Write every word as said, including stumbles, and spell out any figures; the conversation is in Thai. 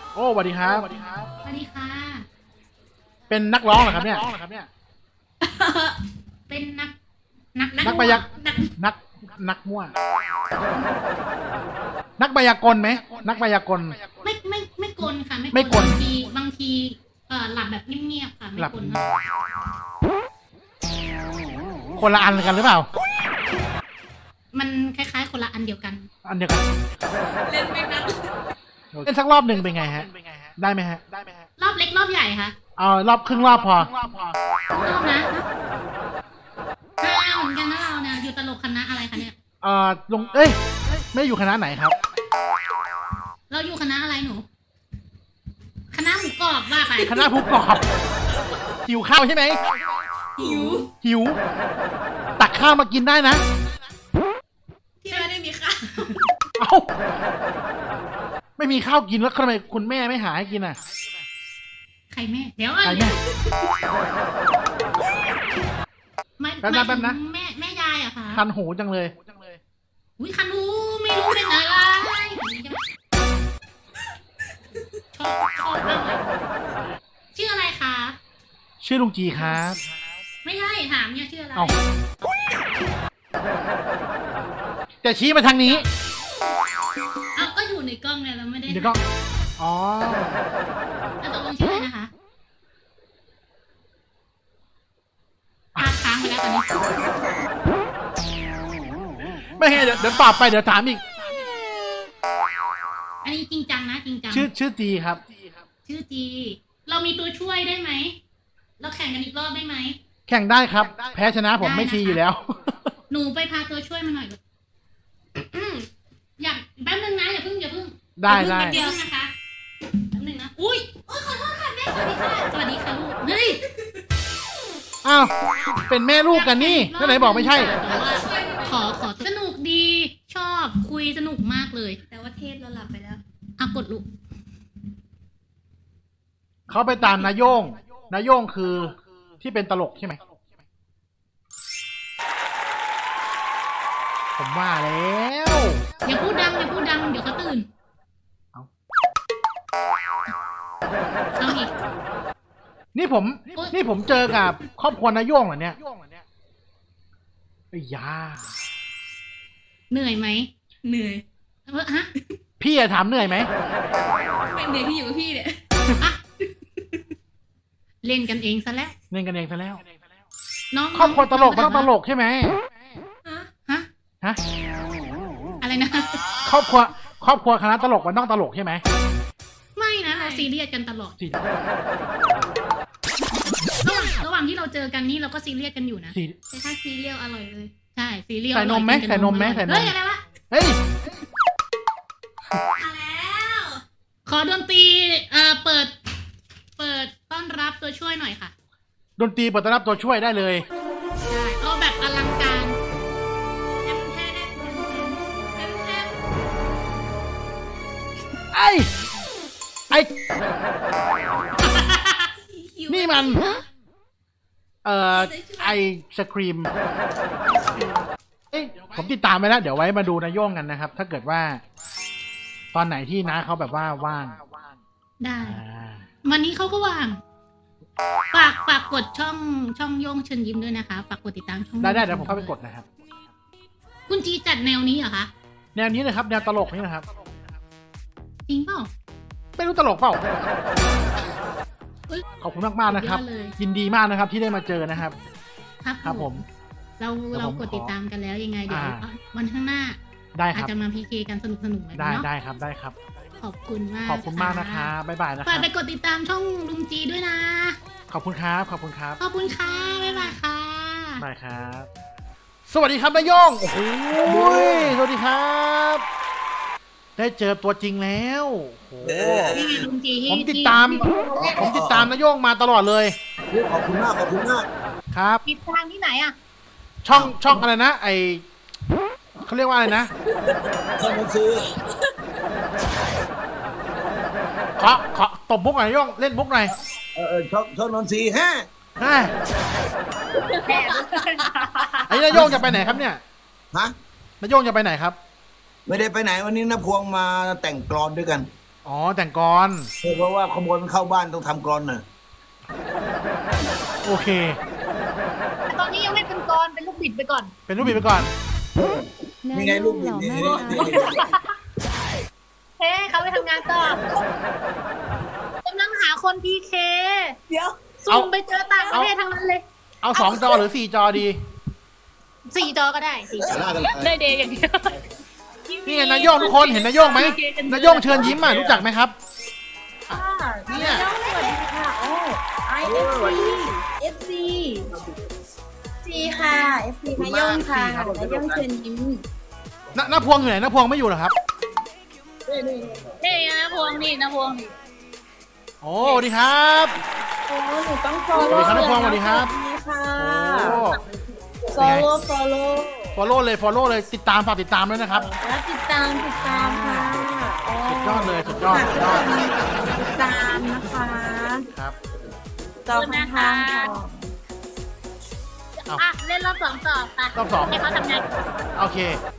โอ้สวัสดีครับสวัสดีค่ะเป็นนักร้องเหรอครับเนี่ยเป็นนัก นักนักมายากนักนักนักมั่ว นักมายากลไหมนักมายากลไม่ไม่ไม่กลค่ะไม่กลบางทีบางทีเอ่อหลับแบบเงียบๆค่ะ ไม่หลับกลค่ะคนละอันกันหรือเปล่ามันคล้ายๆคนละอันเดียวกันอันเดียวกันเล่นไม่นักเล่นสักรอบหนึ่งเป็นไงฮะ ได้ไหมฮะรอบเล็กรอบใหญ่ค่ะเอารอบครึ่งรอบพอรอบนะห้าวเหมือนกันนะเราเนี่ย อยู่ตลกคณะอะไรคะเนี่ยเอ่อลงเอ้ย ไม่ได้อยู่คณะไหนครับเราอยู่คณะอะไรหนู คณะหมูกรอบว่าไปคณะผู้กอบหิวข้าวใช่ไหมหิวหิว ตักข้าวมากินได้นะที่ไม่ได้มีข้าวเอ้า ไม่มีข้าวกินแล้วทำไมคุณแม่ไม่หาให้กินอ่ะใครแม่ เดี๋ยวอ่ะใครแม่ไม่แป๊บนะไม่แป๊บนะแม่แม่ยายอะค่ะคันหูจังเลยอุ้ยคันหูไม่รู้เป็นอะไรชอบชอบมากเลยชื่ออะไรคะชื่อลุงจีครับไม่ใช่ถามเนี่ยชื่ออะไรเอาแต่ชี้มาทางนี้เอาก็อยู่ในกล้องเนี่ยเราไม่ได้เดี๋ยวก็ อ๋อแล้วตกลงชื่ออะไรนะคะพาดค้างไปแล้วตอนนี้ไม่ให้เดี๋ยวเดี๋ยวตอบไปเดี๋ยวถามอีกอันนี้จริงจังนะจริงจังชื่อชื่อจีครับชื่อจี เรามีตัวช่วยได้ไหม เราแข่งกันอีกรอบได้ไหมแข่งได้ครับ แพ้ชนะผมไม่ชี้อยู่แล้วหนูไปพาตัวช่วยมาหน่อยเลยอืมอยากแป๊บนึงนะอย่าเพิ่งอย่าเพิ่งได้อย่าได้เพิ่งแป๊บเดียวนะคะแป๊บนึงนะอุ้ยโอ้ยขอโทษค่ะแม่สวัสดีค่ะสวัสดีค่ะลูกเฮ้ยอ้าว เป็นแม่ลูกกันนี่แล้วไหนบอกไม่ใช่แต่ว่าขอขอสนุกดี ชอบคุยสนุกมากเลยแต่ว่าเทศเราหลับไปแล้วอ่ะกดลูกเขาไปตามนายโย่งนายโย่งคือที่เป็นตลกใช่ไหม ผมว่าแล้วอย่าพูดดังอย่าพูดดังเดี๋ยวเขาตื่นเอาเอาอีกนี่ผมโอ๊ยนี่ผมเจอกับครอบครัวนายโย่งเหรอเนี่ยไอ้ยาเหนื่อยไหมเหนื่อยเออฮะพี่อะถามเหนื่อยไหมเป็นเด็กที่อยู่กับพี่เนี่ยอ่ะเล่นกันเองซะแล้วเล่นกันเองซะแล้วน้องครอบครัวตลกมันน้ต้องตลกใช่ไหมฮะฮะฮะอะไรนะครอบครัว ครอบครัวคณะตลกมันต้องตลกใช่ไหมไม่นะเราซีเรียสกันตลอดสี่ระหว่างระหว่างที่เราเจอกันนี่เราก็ซีเรียสกันอยู่นะสี่แต่ถ้าซีเรียลอร่อยเลยใช่ซีเรียสใส่นมไหมอร่อยกิกัใส่นมไหมอร่อยใส่นมเฮ้ยอะไรวะเฮ้ยมาแล้วขอดนตรีเอ่อเปิด เปิดต้อนรับตัวช่วยหน่อยค่ะดนตรีเปิดต้อนรับตัวช่วยได้เลยใช่เอาแบบอลังการแทมแทมแทมแทมแทมไอ้ไอ้หิวนี่มัน เอ่อ ไอศครีมเอ้ยผมติดตามไปแล้ว เดี๋ยวไว้มาดูนายโย่งกันนะครับ ถ้าเกิดว่า ตอนไหนที่น้าเขาแบบว่าว่างได้อ่าวันนี้เขาก็ว่าง ฝากฝากกดช่องช่องโย่งเชิญยิ้มด้วยนะคะ ฝากกดติดตามช่องได้ได้เดี๋ยวผมเข้าไปกดนะครับคุณจีจัดแนวนี้เหรอคะแนวนี้เลยครับ แนวตลกนี่นะครับจริงเปล่าไม่รู้ตลกเปล่าเอ้ยขอบคุณมากมากๆนะครับสุดยอดเลยยินดีมากนะครับที่ได้มาเจอนะครับครับครับผมเราเดี๋ยวเราผมกดติดตามกันแล้วยังไงเดี๋ยวอ่าวันข้างหน้าได้คอาจรับจะมาพีเคกันสนุกสนุกๆแบบได้นี้เนาะได้ครับ ได้ครับขอบคุณมากขอบคุณมากนะครับบ๊ายบายนะคฝารักบไปกดติดตามช่องลุงจีด้วยนะขอบคุณครับ ขอบคุณครับขอบคุณค่ะ บ๊ายบายค่ะได้ครับ สวัสดีครับนายโย่งโอ้โหสวัสดีครับ ได้เจอตัวจริงแล้วโอ้โหนี่ไงลุงจีที่ผมติดตาม ผมติดตามนายโย่งมาตลอดเลยขอบคุณมาก ขอบคุณมากครับติดตามที่ไหนอ่ะช่องช่องอะไรนะ ไอเขาเรียกว่าอะไรนะท่านบัญชีขอขอตบมุกหน่อยนายโย่งเล่นมุกหน่อยเออเออช่องช่องนนทรีฮะฮะไอ้นายโย่งจะไปไหนครับเนี่ยฮะนายโย่งจะไปไหนครับไม่ได้ไปไหนวันนี้นะพวงมาแต่งกลอนด้วยกันออ๋อแต่งกรเพราะว่าขโมยมันเข้าบ้านต้องทำกรอนน่ะโอเคแต่ตอนนี้ยังไม่เป็นกรเป็นลูกบิดไปก่อนเป็นรูปบิดไปก่อนนี่ไงลูกบิดนี่นี่นี่เฮ้เขาไปทำงานต่อกำลังหาคนพีเคเดี๋ยวซูมไปเจอต่างประเทศทั้งนั้นเลยเอาสองจอหรือสี่จอดีสี่จอก็ได้สี่จอล่ากันได้เดย์อย่างเดียวนี่ไงนายโยงทุกคนเห็นนายโยงไหมนายโยงเชิญยิ้มอ่ะรู้จักไหมครับ เนี่ยสวัสดีค่ะโอ้ I F C F C ซีค่ะ F C นายยงค่ะนายยงเชิญยิ้มนน้าพวงอยู่ไหนน้าพวงไม่อยู่เหรอครับนี่นะพวงนี่นะพวงนี่โอ้สวัสดีครับโอ้หนูต้องสวัสดีครับน้าพวงสวัสดีครับสวัสดีค่ะโอ้ follow follow follow เลย follow เลยติดตามฝากติดตามด้วยนะครับแล้วติดตามติดตามค่ะโอ้สุดยอดเลยสุดยอดสุดยอดติดตามนะคะครับจอข้างทางค่ะเอาอ่ะเล่นรอบสองต่อไปรอบสองให้เขาทำงานโอเค